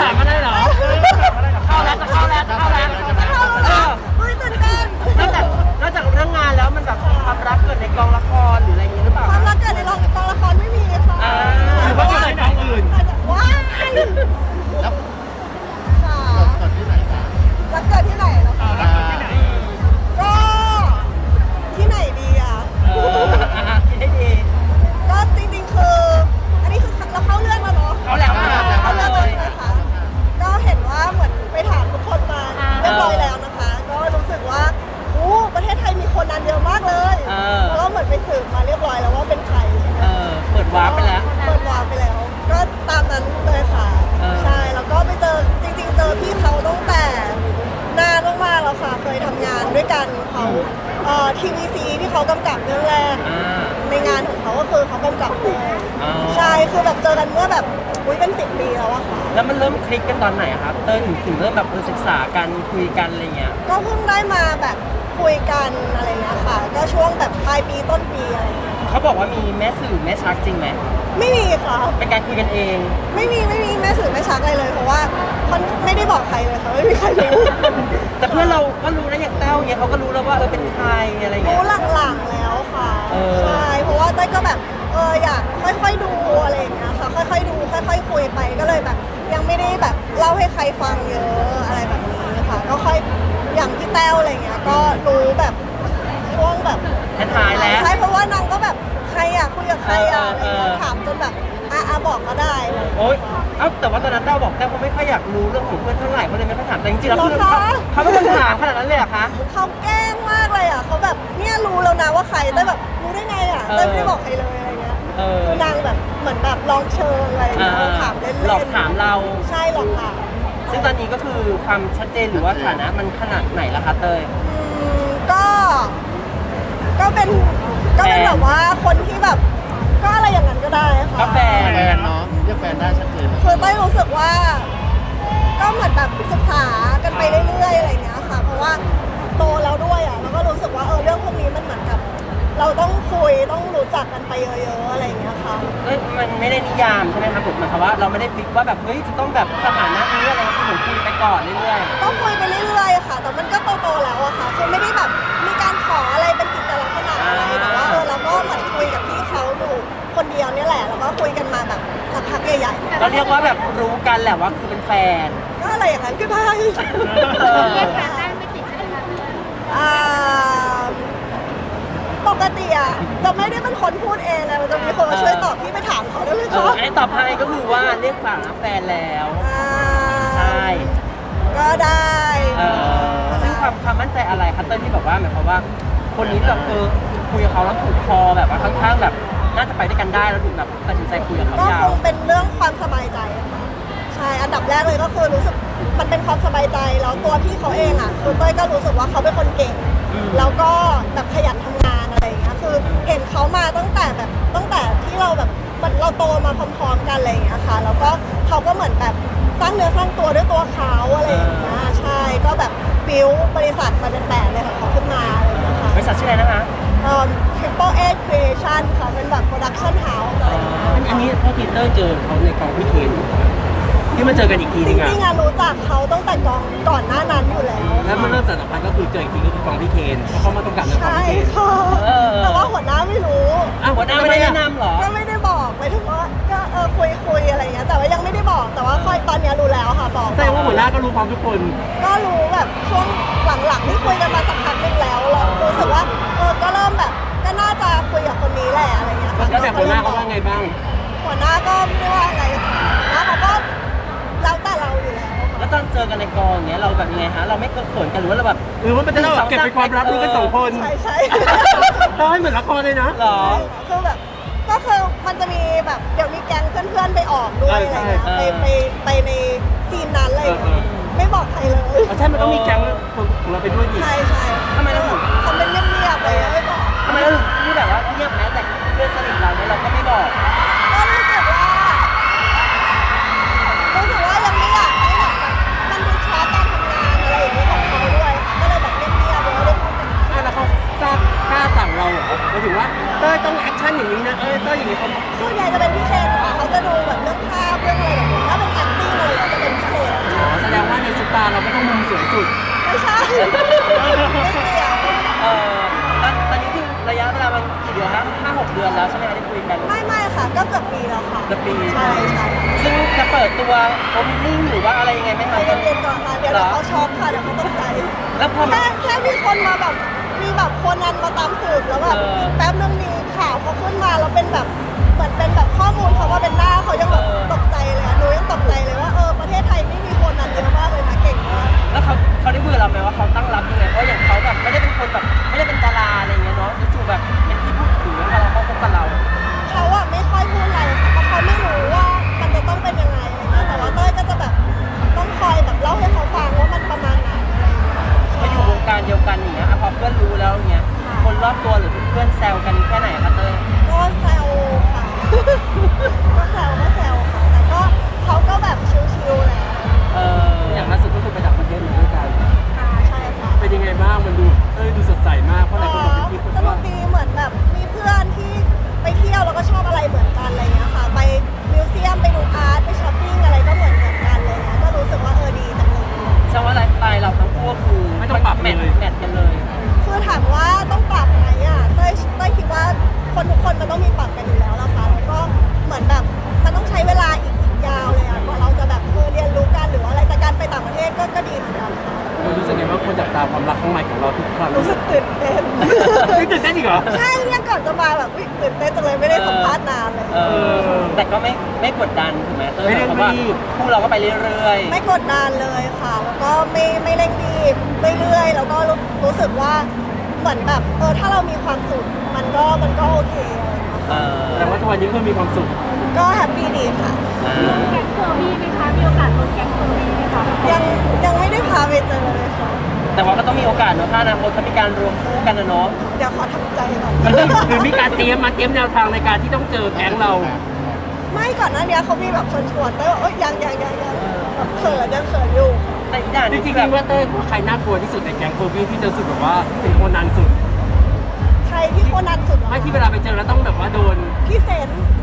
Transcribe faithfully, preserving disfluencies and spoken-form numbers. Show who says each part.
Speaker 1: ามมาได้เหรอเข้าแล้วจะเข้าแล้วจะเข้าแล้วจะเข้าแล้วเฮ้ยตื่นเต้นนอกจากนอกจากเรื่องงานแล้วมันแบบความรักเกิดในกองละครหรืออะไรอย่างนี้หรือเปล่า
Speaker 2: ความรักเกิดในกองละครไม่มีค่ะ
Speaker 1: หรือว่าเกิดในกองอื่น
Speaker 2: ว้าย
Speaker 3: แล้ว
Speaker 2: ค่ะ
Speaker 3: เกิดที่ไหนกัน
Speaker 2: รักเกิดที่ไหนแล้วคะก็ที่ไหนดีอ่ะ
Speaker 1: คิดให้ดี
Speaker 2: ก็จริงๆคืออันนี้คือเราเข้าเรื่องแล้วเนาะ
Speaker 1: เขาแล้ว
Speaker 2: เข้าเรื่องเลยนะคะก็เห็นว่าเหมือนไปถามทุกคนมาเรียบร้อยแล้วนะคะก็รู้สึกว่าโอ้ประเทศไทยมีคนนั้นเยอะมากเลยแล้วก็เหมือนไปสืบมาเรียบร้อยแล้วว่าเป็นใคร
Speaker 1: เออเปิดวาร์ปไปแล้ว
Speaker 2: เปิดวาร์ปไปแล้วก็ตามนั้นเลยค่ะใช่แล้วก็ไปเจอจริงๆเจอพี่เขาตั้งแต่นานมากๆแล้วค่ะเคยทำงานด้วยกันเขาเอ่อทีวีซีที่เขากำกับเรื่องแรกในงานของเขาก็คือเขากำกับเลยใช่คือแบบเจอกันเมื่อแบบอุ้ยเป็นสิบปีแล้วอะค่ะ
Speaker 1: แล้วมันเริ่มคลิกกันตอนไหนครับเต้ยถึงถึงเริ่มแบบศึกษากันคุยกันอะไรเงี้ย
Speaker 2: ก็เพิ่งได้มาแบบคุยกันอะไรเงี้ยค่ะก็ช่วงแบบปลายปีต้นปีอะไรเงี้ย
Speaker 1: เขาบอกว่ามีแม่สื่อแม่ชักจริงไหม
Speaker 2: ไม่มีค่ะ
Speaker 1: เป็นการคุยกันเอง
Speaker 2: ไม่มีไม่มีแม่สื่อแม่ชักอะไรเลยเพราะว่าเขาไม่ได้บอกใครเลยค่ะไม่มีใครรู้
Speaker 1: แต่เพื่อนเราก็รู้นะอย่างเต้าเนี่ยเขาก็รู้แล้วว่าเออเป็นใครอะไรเงี้ย
Speaker 2: รู้หลังๆแล้วค่ะใช่เพราะว่าเต้ยก็แบบเอออยากค่อยๆดูอะไรอย่างเงี้ยค่ะค่อยๆดูค่อยๆคุยไปก็เลยแบบยังไม่ได้แบบเล่าให้ใครฟังเยอะอะไรแบบนี้ค่ะก็ค่อยอย่างพี่แต้วอะไรเงี้ยก็รู้แบบช่วงแบบ
Speaker 1: ท้ายแล้ว
Speaker 2: ใช่เพราะว่านางก็แบบใครอ่ะคุยกับใครอ่ะอะไรเงี้ยถามจนแบบอ่ะอ่ะบอกก็ได้
Speaker 1: โอ๊ยเอ้าแต่ว่าตอนนั้นเต้าบอกแต้วเขาไม่ค่อยอยากรู้เรื่องของเพื่อนเท่าไหร่เขาเลยไม่ค่อยถามแต่จริงๆแล้วคือเขาไม่ได้ถามขนาดนั้นเลยอะคะ
Speaker 2: เขาแกล้งมากเลยอ่ะเขาแบบเนี่ยรู้แล้วนะว่าใครแต่แบบรู้ได้ไงอ่ะแต่ไม่ได้บอกใครเลยอะไรเงี้ยคือนางแบบเหมือนแบบลองเชิญอะไรเงี้ยถามเล่นๆ
Speaker 1: หลอกถามเรา
Speaker 2: ใช่หลอกถาม
Speaker 1: ซึ่งตอนนี้ก็คือความชัดเจนหรือว่าฐานะมันขนาดไหนล่ะคะเต้ย
Speaker 2: ก็ก็เป็นก็เป็นแบบว่าคนที่แบบก็อะไรอย่างนั้นก็ได้ค่ะ
Speaker 1: ก็แฟน
Speaker 3: แฟนเนาะเรียกแฟนได้ชัดเจน
Speaker 2: คือเต้ยรู้สึกว่าก็เหมือนแบบศึกษากันไปเรื่อยๆอะไรเงี้ยค่ะเพราะว่าโตแล้วด้วยอ่ะแล้วก็รู้สึกว่าเออเรื่องพวกนี้มันเหมือนกับเราต้องคุยต้องรู้จักกันไปเยอะๆอะไรเงี้ยค่ะ
Speaker 1: เอ้ยมันไม่ได้นิยามใช่ไหมครับผมหมายความว่าเราไม่ได้ฟิกว่าแบบเฮ้ยจะต้องแบบสถานะนี้อะไรคือเหมือนคุยไปก่อนเรื่อย
Speaker 2: ๆก็คุยไปเรื่อยๆค่ะแต่มันก็โตๆแล้วอะค่ะคือไม่ได้แบบมีการขออะไรเป็นกิจลักษณะอะไรแต่ว่าเออเราก็เหมือนคุยกับพี่เขาอยู่คนเดียวเนี่ยแหละแล้วก็คุยกันมาแบบสักพักใหญ่
Speaker 1: ๆเราเรียกว่าแบบรู้กันแหละว่าคือเป็นแฟน
Speaker 2: ก็อะไรอย่างนั้นก็ได้
Speaker 4: เรียกแฟนได้ไม่ติดใช่ไหมคะ
Speaker 2: อ่าปกติอ่ะจะไม่ได้เป็นคนพูดเองเลยมันจะมีคนมาช่วยตอบพี่ไปถามเขาได้ไหมคะ
Speaker 1: ไอ้ตอบให้ก็คือว่าเรียกฝากแฟนแล้วใช่
Speaker 2: ก็ได้
Speaker 1: ซึ่งความความมั่นใจอะไรคัตเตอร์ที่แบบว่าหมายความว่าคนนี้แบบเออคุยกับเขาแล้วถูกคอแบบว่าค่อนข้างแบบน่าจะไปด้วยกันได้แล้วถึงแบบตัดสินใจคุยกับเขา
Speaker 2: ยาวก็คงเป็นเรื่องความสบายใจค่ะใช่อันดับแรกเลยก็คือรู้สึกมันเป็นความสบายใจแล้วตัวพี่เขาเองอ่ะคือเต้ยก็รู้สึกว่าเขาเป็นคนเก่งแล้วก็แบบขยันทำงานอะไรอย่างเงี้ยคือเห็นเขามาตั้งแต่แบบตั้งแต่ที่เราแบบเราโตมาพร้อมๆกันอะไรอย่างเงี้ยค่ะแล้วก็เขาก็เหมือนแบบสร้างเนื้อสร้างตัวด้วยตัวเขาอะไรอย่างเงี้ยใช่ก็แบบบิวบริษัทมาเป็นแปดเลยของเขาขึ้นมาอะไรอย่างเงี้ยค่ะ
Speaker 1: บริษัทชื่ออะไรนะคะ
Speaker 2: เอ่อ Triple A Creation ค่ะเป็นแบบ Production House อะไรอย่างเงี้ย
Speaker 1: อันนี้พ่อทีเตอร์เจอเขาในกองพี่เคนที่มาเจอกันอีกทีนึง
Speaker 2: อะจริงๆรู้จักเขาตั้งแต่กองก่อนหน้านั้นอยู่แล้ว
Speaker 1: แล้วมันเริ่มจากสัมพันธ์ก็คือเจออีกทีก็คือกองพี่เคนเพราะเขามาต้องกับในกองพี่เคน
Speaker 2: ใช่ค่ะแต่ว่าหัวหน้าไม่รู้
Speaker 1: อ้าวหัวหน้าไม่ได้แนะนำหรอ
Speaker 2: ก็ไม่ได้บอกไปถึงว่าก็เออคุยคุยอะไรเงี้ยแต่ว่ายังไม่ได้บอกแต่ว่าค่อยตอนนี้รู้แล้วค่ะบอก
Speaker 1: แสดงว่าหัวหน้าก็รู้พร้อมทุกคน
Speaker 2: ก็รู้แบบช่วงหลังๆที่คุยกันมาสักพักนึงแล้วเรารู้สึกว่าเออก็เริ่มแบบก็น่าจะคุยกับคนนี้แหละอะไรเงี้ย
Speaker 1: แล้วแบบหัวหน้าเขาว่าไงบ้าง
Speaker 2: หัวหน้าก็ไม่ได้ว่าไงค่ะแล้วเขาก็แล้วแต่เราอยู่แล้ว
Speaker 1: แล้วตอนเจอกันในกองเนี้ยเราแบบยังไงฮะเราไม่เขินกันหรือว่าเราแบบ
Speaker 3: หรือว่ามันจะเก็บเป็นความลับรู้กันสองคน
Speaker 2: ใช่ใช่
Speaker 3: เราให้เหมือนละครเลยนะ
Speaker 1: หรอ
Speaker 2: คือแบบก็คือมันจะมีแบบเดี๋ยวมีแก๊งเพื่อนๆไปออกด้วยอะไรเงี้ยไปไปไปในซีนนั้นเลยไม่บอกใครเลย
Speaker 3: ใช่มันต้องมีแก๊งของเราไปด้วยดิ
Speaker 2: ใช่ใช่
Speaker 1: ทำไมเราถึง
Speaker 2: ทำเป็นเงียบๆเลยไม่บอก
Speaker 1: ทำไมเราถึงที่แบบว่าเงียบแม้แต่เพื่อนสนิทเราเนี่ยเราก็ไม่บอก
Speaker 2: ก็รู้สึกว่ารู้สึกว่ายังไม่อยากให้แบบมันดูช้าการทำงานอะไรอย่างนี้ของเขาด้วยค่ะก็เลยแบบเงียบๆเลยไม่ได้พูดกัน
Speaker 3: แล้วเขาทราบกล้าสั่งเราเหรอหมายถึงว่าเต้ยต้องแอคชั่นอย่างนี้นะเอ้ยเต้ยอย่างนี้เขา
Speaker 2: ส่วนใหญ่จะเป็นพี่เคนค่ะเขาจะดูแบบเรื่องภาพเรื่องอะไรแบบนี้ถ้าเป็น acting อะไรก็จะเป็นพี่เคน
Speaker 3: ำตาเราไม่ต้องมุมสวยสุด
Speaker 2: ไม่ใช่ไม่เกี่ยว
Speaker 1: เออตอนตอนนี้คือระยะเวลามันกี่เดือนครับห้าหกเดือนแล้วใช่ไหมคะที่คุยกัน
Speaker 2: ไม่ไม่ค่ะ ก็เกือบปีแล้วค่ะ
Speaker 1: เกือบปี
Speaker 2: ใช่ใช่
Speaker 1: ซึ่งจะเปิดตัวโอมินิ่งหรือว่าอะไรยังไงไหม
Speaker 2: ใจ
Speaker 1: คะ
Speaker 2: เย็นๆก่อนค่ะเดี๋ยวเดี๋ยวเขาช็อกค่ะเดี๋ยวเขาตกใจ
Speaker 1: แล้วพอ
Speaker 2: แค่แค่มีคนมาแบบมีแบบคนนั้นมาตามสืบแล้วแบบ
Speaker 1: เออ
Speaker 2: แป๊บนึงมีข่าวเขาขึ้นมาแล้วเป็นแบบเหมือนเป็นแบบข้อมูลเขาว่าเป็นหน้าเขายังแบบ
Speaker 1: เออ
Speaker 2: ตกใจเลยอะหนูยังตกใจเลยว่าเออประเทศไทยไม่มีคนนั้นเยอะมากเลยนะเก่งมาก
Speaker 1: แล้วเขาเขาได้คุยกับเราไหมว่าเขาตั้งรับยังไงเพราะอย่างเขาแบบไม่ได้เป็นคนแบบไม่ได้เป็นดาราอะไรอย่างเงี้ยเนาะจู่ๆแบบเป็นที่พูดถึงแล้วเราเขาคบกับเรา
Speaker 2: เขาอะไม่ค่อยพูดอะไรค่ะเพราะเขาไม่รู้ว่ามันจะต้องเป็นยังไงอะไรเงี้ยแต่ว่าเต้ยก็จะแบบต้องคอยแบบเล่าให้เขาฟังว่ามันประมาณไหนอะไรอย่างเงี้ย
Speaker 1: มาอยู่วงการเดียวกันอย่างเงี้ยอ่ะพอเพื่อนรู้แล้วอย่างเงี้ยคนรอบตัวหรือเพื่อนแซวกันแค่ไหนคะเต้ย
Speaker 2: ก็แซวค่ะ ก็แซวก็แซวค่ะแต่ก็เขาก็แบบชิวๆแหละ
Speaker 1: เออ
Speaker 3: อย่างล่าสุดก็คือไปต่างประเทศด้วยกัน
Speaker 2: ค่ะใช่ค่ะ
Speaker 3: เป็นยังไงบ้างมันดูเอ้ยดูสดใสมากเพราะหลายคนบอกเป็นคลิป
Speaker 2: ส
Speaker 3: แบบ
Speaker 2: นุ
Speaker 3: ว่าก
Speaker 2: ดีเหมือนแบบมีเพื่อนที่ไปเที่ยวแล้วก็ชอบอะไรเหมือนกันอะไรเงี้ยค่ะ ไปมิวเซียมไปดูอาร์ตไปช้อปปิ้งอะไรก็เหมือนเหมือนกันเลยนะก็รู้สึกว่าเออดีจังเลย
Speaker 1: แสดงว่าไลฟ์สไตล์เราทั้งคู่ก็คือ
Speaker 3: ไม่ต้องปรับ
Speaker 1: แม
Speaker 3: เล
Speaker 1: ท
Speaker 3: ย
Speaker 1: แมทกันเลย
Speaker 2: คือถามว่าต้องปรับไหมอ่ะเต้ยเต้ยคิดว่าคนทุกคนมันต้องมีปรับกันอยู่แล้วล่ะค่ะแล้วก็เหมือนแบบมันต้องใช้เวลาอีกอีกยาวเลยอ่ะกว่าเราจะแบบเออเรียนรู้กันหรือว่าอะไรแต่การไปต่างประเทศก็ก็ดีเหมือนกันค่ะ
Speaker 3: เรารู้สึกไงว่าคนจับตาความรักครั้งใหม่ของเราทุกครั้ง
Speaker 2: รู้สึกตื่นเต้น
Speaker 3: ไม่ตื่นเต้นอีกเหรอ
Speaker 2: ใช่เนี่ยก่อนจะมาแบบอุ๊ยตื่นเต้นจังเลยไม่ได้สัมภาษณ์นานเลย
Speaker 1: เออแต่ก็ไม่ไม่กดดันถูกไหมเต้ย
Speaker 3: ไม่เร่ง
Speaker 1: เพราะว่า
Speaker 3: รีบ
Speaker 1: คู่เราก็ไปเรื่อย
Speaker 2: ไม่กดดันเลยค่ะ แล้วก็ไม่ไม่เร่งรีบเรื่อยๆแล้วก็รู้รู้สึกว่าเหมือนแบบเออถ้าเรามีความสุขมันก็มันก็โอเคอะไรอย่างเงี้ย
Speaker 1: ๆเอ
Speaker 2: ค่ะ
Speaker 1: อ
Speaker 3: แต่ว่าทุกวันนี้คือมีความสุข
Speaker 2: ก็แฮปปี้ดีค่ะ
Speaker 1: อ่า
Speaker 4: แก๊งเฟอร์บี้ไหมคะ มีโอกาสลงแก๊งเฟอร์บี้ไหมคะ
Speaker 2: ยังยังไม่ได้พาไปเจอเลยค่ะ
Speaker 1: แต่ว่าก็ต้องมีโอกาสเนอะถ้าอนาคตเขามีการรวมคู่กันนะเนาะ
Speaker 2: เดี๋ยวขอทำใจก่อน
Speaker 3: หรือมีการเตรียมมาเตรียมแนวทางในการที่ต้องเจอแก๊งเรา
Speaker 2: ไม่ก่อนหน้านี้เขามีแบบชวนชวนๆแต่ว่าเอ้ยยังยังยังยังแบบเขินยังเขินอยู่
Speaker 1: แต่อีกอย่างห
Speaker 3: จ
Speaker 1: นึ
Speaker 3: ริ
Speaker 1: ง
Speaker 3: ง
Speaker 1: คือ
Speaker 3: ๆ
Speaker 1: แบบ
Speaker 3: ว่าเต้ยว่าใครน่ากลัวที่สุดในแก๊งโคบี้ที่เจอสุดแบบว่าเป็นคนนันสุด
Speaker 2: ใครที่คนนั้นสุดเหรอ
Speaker 3: ไม่ที่เวลาไปเจอแล้วต้องแบบว่าโดน
Speaker 2: พี่เซน